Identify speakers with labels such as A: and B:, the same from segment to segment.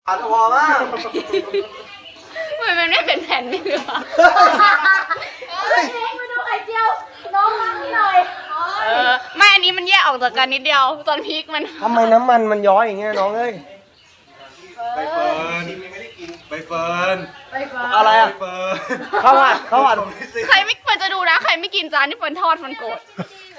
A: อัดพอมาก
B: ทำไมมันไม่เป็นแผ่นนี่หรอ
C: เล็กมาดูไข่เจียวน้องมั่งนี่หน่อย
B: ไม่อันนี้มันแยกออกจากกันนิดเดียว ตอนพริกมัน
A: ทำไมน้ำมันมันย้อยอย่างเงี้ยน้องเอ้ย
D: ใบเฟิร์นใบเฟิร์น
A: อะไร
D: ใบ
A: อ่ะ
D: เฟิร์น
A: ข้าวผัดข้าวผัด
B: ใครไม่ควรจะดูนะ ใครไม่กินจานที่เฟิร์นทอดมันโกรธ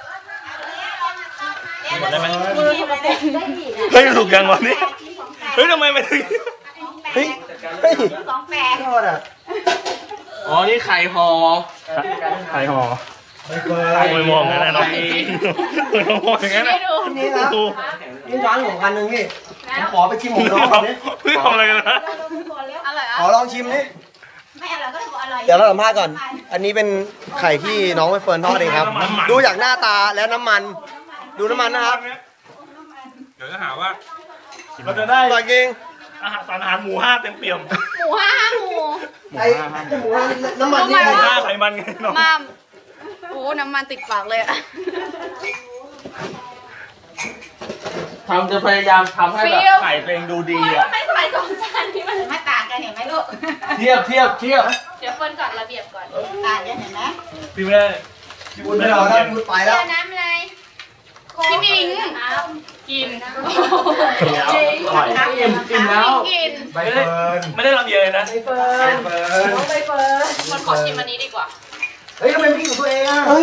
E: หมดได้ไหม
C: ได้ดีนะ
E: เฮ้ยถูกยังวันนี้เฮ้ยทำไมมันถึง
A: เฮ้ยเฮ้ย
C: สองแปด
A: ทอดอ่ะ
E: อ๋อนี่ไข่ห่อไข่ห่อ
D: ใบเฟิร์น
E: ไข่มองกันนะน้องมองอย่างนั้นนะ
A: นี่นะนี่ร้านผมพันหนึ่งพี่ผมขอไปชิมของน้องก่อนดิ
E: เฮ้ยทำอะไรกันนะ
B: อร่อย
A: ขอลองชิมดิ
C: ไม่อร่อยก็ถือว่าอร่อย
A: เดี๋ยวเราสัมภาษณ์ก่อน อันนี้เป็นไข่ที่น้องใบเฟิร์นทอดเองครับ ดูจากหน้าตาและน้ำมัน ดูน้ำมันนะครับ
D: เดี๋ยวจะหาว่า
E: เราจะได้
A: อร่อยจริง
E: อาหารสารอาหารหมูห้าเต็มเปี่ยม
B: หมูห้าหมู
A: ไอ้หมูน้ำมันนี่
E: หมูห้าไขมันไงน้อง
B: มามโอ้น้ำมันติดปากเลยอะ
E: ทำจะพยายามทำให้แบบไข่ตัวเองดูดีอ่ะ
B: ไม่ใส่สองจานนี้มัน
C: มาต่างกันเห็นไหมลูก
E: เทียบ
B: เดี๋ยวเฟิร์นจัดระเบียบก่อน
C: ต่างกันเห็นไหม
E: พี่ไม่ได้
A: พี่บุญไม่เอาแล้วพี่บุญไปแล้ว
B: น้ำอะไรพี่มิงกิน
E: อิ่มแล้ว
B: กิน
D: ใบเฟิร์น
E: ไม่ได้ลำเยยนะ
D: ใบเฟิร์น
B: มันขอชิมอันนี้ดีกว่า
A: เฮ้ยทำไมไม่กินของตัวเองอ่ะเฮ้ย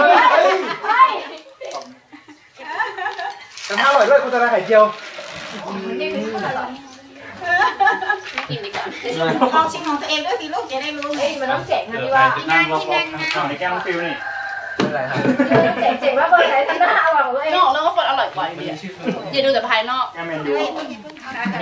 D: แต่ถ้าอร่อยด้วยคุณจะได้ไข่เจียว
B: กินดีกว่า
C: ลองชิมของตัวเองด้วยสิลูกจะได้รู้ไงมันต้องเจ๋งนะพี่
E: ว่า
C: ว่า
E: กินนั่งในแก้มฟิวนี่
C: เจ๋งว่าเบอร์ไหนทำหน้าอร่อยของตัวเอง
B: นอกเรื่องว่าเฟิร์นอร่อยกว่าอยู่ดีอะอย่าดูแต่ภายนอก
E: แก้มเมนยู
C: เฮ้ย